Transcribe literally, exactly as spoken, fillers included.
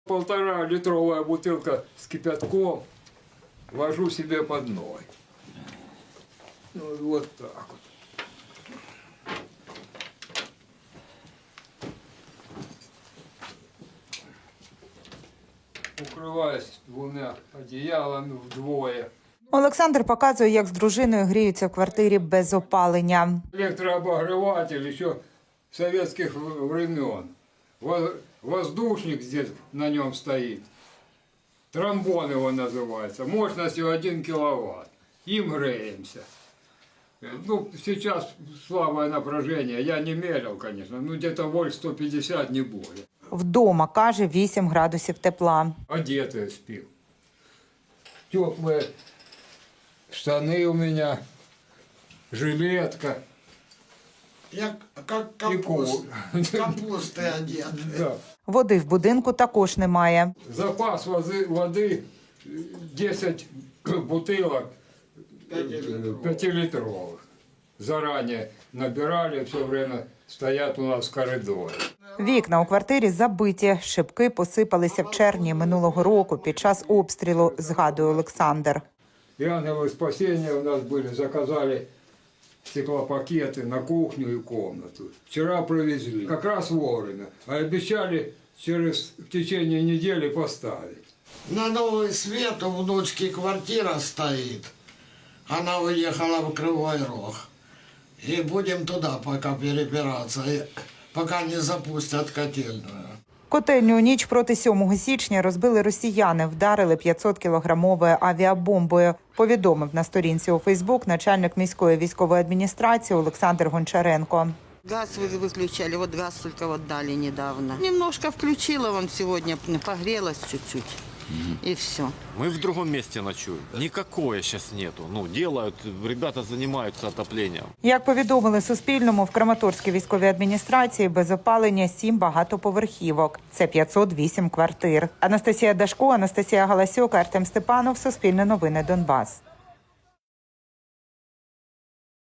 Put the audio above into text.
Полтора литровая бутылка с кипятком ложу себе под ноги. Ну, вот так вот. Укриваюсь двома одіялами вдвоє. Олександр показує, як з дружиною гріються в квартирі без опалення. Электрообогреватель еще советских времен. Воздушник здесь на нем стоит. Тромбон его называется. Мощностью один киловатт. Им греемся. Ну, сейчас слабое напряжение. Я не мерил, конечно. Ну, где-то вольт сто пятьдесят, не более. Вдома, каже, вісім градусів тепла. Одетые спим. Теплые штаны у меня. Жилетка. Я как капуст, капусты одет. Да. Води в будинку також немає. Запас воды, воды десять бутылок пятилитровых. Заранее набирали, все время стоят у нас в коридоре. Вікна у квартирі забиті, шибки посипалися в червні минулого року під час обстрілу, згадує Олександр. И ангелы спасения у нас были, заказали стеклопакеты на кухню и комнату. Вчера привезли, как раз вовремя, а обещали через в течение недели поставить. На новый свет у внучки квартира стоит. Она уехала в Кривой Рог. И будем туда пока перебираться, пока не запустят котельную. Котельню у ніч проти сьомого січня розбили росіяни, вдарили п'ятсоткілограмовою авіабомбою, повідомив на сторінці у Фейсбук начальник міської військової адміністрації Олександр Гончаренко. Газ вы- выключали, вот газ только вот дали недавно. Немножко включила, вон сегодня погрелась чуть-чуть, и все. Мы в другом месте ночуем. Никакое сейчас нету. Ну, делают, ребята занимаются отоплением. Як повідомили Суспільному, в Краматорській військовій адміністрації без опалення сім багатоповерхівок. Це п'ятсот вісім квартир. Анастасія Дашко, Анастасія Галасюк, Артем Степанов, Суспільне новини, Донбас.